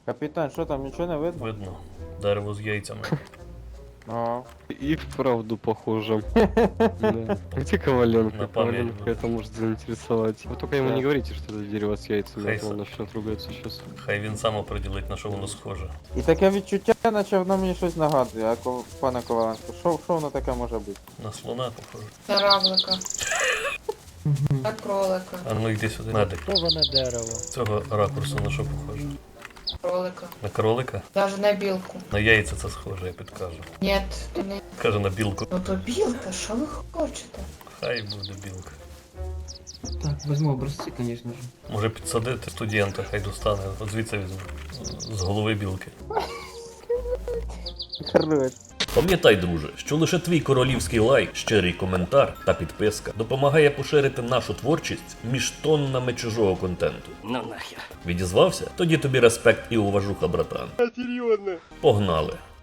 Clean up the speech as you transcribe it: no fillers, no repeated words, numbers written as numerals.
Капітан, що там, нічого не видно? Видно. Дерево з яйцями. Ага. И вправду похоже. Да. Где Коваленко? На память, Коваленко да. это может заинтересовать. Вы только ему Да. не говорите, что это дерево с яйцами, а то Хейса. он начнет ругаться сейчас. Хай він сам оприділить, на що воно схоже. І таке відчуття, наче воно мені щось нагадує, а пане Коваленко, що воно таке може бути? На слона похоже. На равлика. На кролика. А ну йди сюди. Медик. Поване дерево. З цього ракурсу на що похоже? Кролика. На кролика? Даже на білку. На яйця це схоже, я підкажу. Нет, то не. Каже на білку. Ну то білка, що ви хочете? Хай буде білка. Так, возьму образцы, конечно же. Може підсадити студента, хай достане. От звідси візьму. З голови білки. Хорош. Пам'ятай, друже, що лише твій королівський лайк, щирий коментар та підписка допомагає поширити нашу творчість між тоннами чужого контенту. Ну нахер. Відізвався? Тоді тобі респект і уважуха, братан. Серйозно? Погнали.